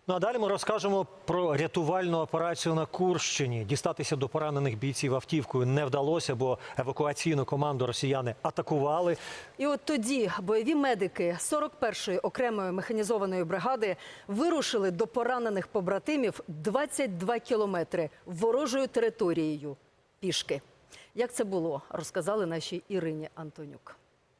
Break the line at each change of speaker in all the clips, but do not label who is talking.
Ну а далі ми розкажемо про рятувальну операцію на Курщині. Дістатися до поранених бійців автівкою не вдалося, бо евакуаційну команду росіяни атакували.
І от тоді бойові медики 41-ї окремої механізованої бригади вирушили до поранених побратимів 22 кілометри ворожою територією пішки. Як це було, розказали нашій Ірині Антонюк.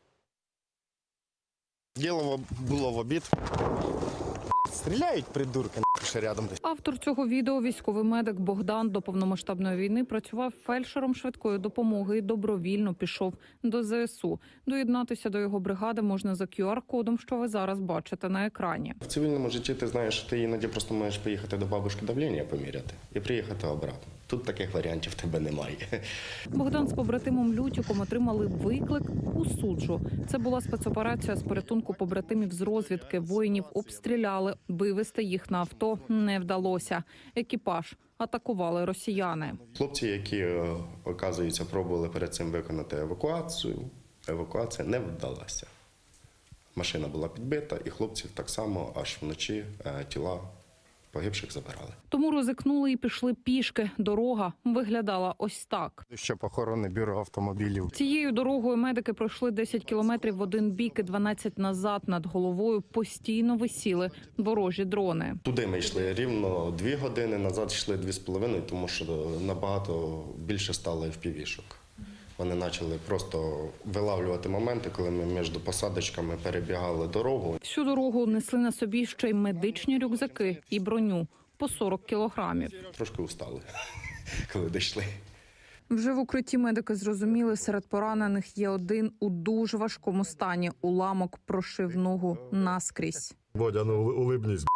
Діло було в обід. Стріляють, придурки, ще рядом десь.
Автор цього відео, військовий медик Богдан, до повномасштабної війни працював фельдшером швидкої допомоги і добровільно пішов до ЗСУ. Доєднатися до його бригади можна за QR-кодом, що ви зараз бачите на екрані.
В цивільному житті ти знаєш, що ти іноді просто можеш поїхати до бабушки давлення поміряти і приїхати обратно. Тут таких варіантів в тебе немає.
Богдан з побратимом Лютіком отримали виклик у суджу. Це була спецоперація з порятунку побратимів з розвідки. Воїнів обстріляли, вивезти їх на авто не вдалося. Екіпаж атакували росіяни.
Хлопці, які, оказується, пробували перед цим виконати евакуацію, евакуація не вдалася. Машина була підбита, і хлопців так само аж вночі тіла погибших забирали.
Тому ризикнули і пішли пішки. Дорога виглядала ось так.
Ще похоронне бюро автомобілів.
Цією дорогою медики пройшли 10 кілометрів в один бік і 12 назад. Над головою постійно висіли ворожі дрони.
Туди ми йшли рівно 2 години, назад йшли 2,5, тому що набагато більше стало FPV-шок. Вони почали просто вилавлювати моменти, коли ми між посадочками перебігали дорогу.
Всю дорогу несли на собі ще й медичні рюкзаки і броню по 40 кілограмів.
Трошки устали, коли дійшли.
Вже в укритті медики зрозуміли, серед поранених є один у дуже важкому стані. Уламок прошив ногу наскрізь.
Бодя, ну улибнись.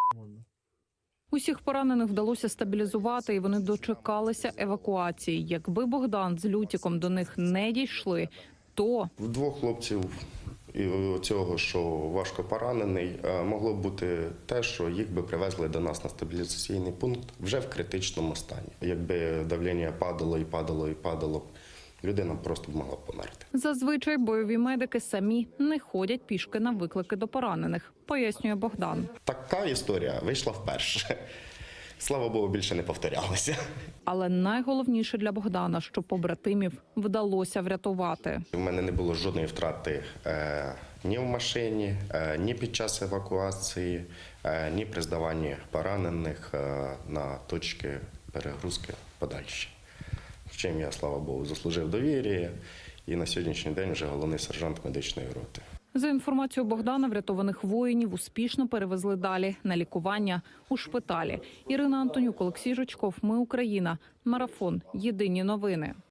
Усіх поранених вдалося стабілізувати, і вони дочекалися евакуації. Якби Богдан з Лютіком до них не дійшли, то
В 2 хлопців і цього, що важко поранений, могло бути те, що їх би привезли до нас на стабілізаційний пункт вже в критичному стані. Якби давлення падало і падало і падало, людина просто б могла померти.
зазвичай бойові медики самі не ходять пішки на виклики до поранених, пояснює Богдан.
Така історія вийшла вперше. Слава Богу, більше не повторялося.
Але найголовніше для Богдана, що побратимів вдалося врятувати.
У мене не було жодної втрати ні в машині, ні під час евакуації, ні при здаванні поранених на точки перегрузки подальші. В чим я, слава Богу, заслужив довір'я і на сьогоднішній день вже головний сержант медичної роти.
За інформацією Богдана, врятованих воїнів успішно перевезли далі на лікування у шпиталі. Ірина Антонюк, Олексій Жучков. Ми Україна. Марафон. Єдині новини.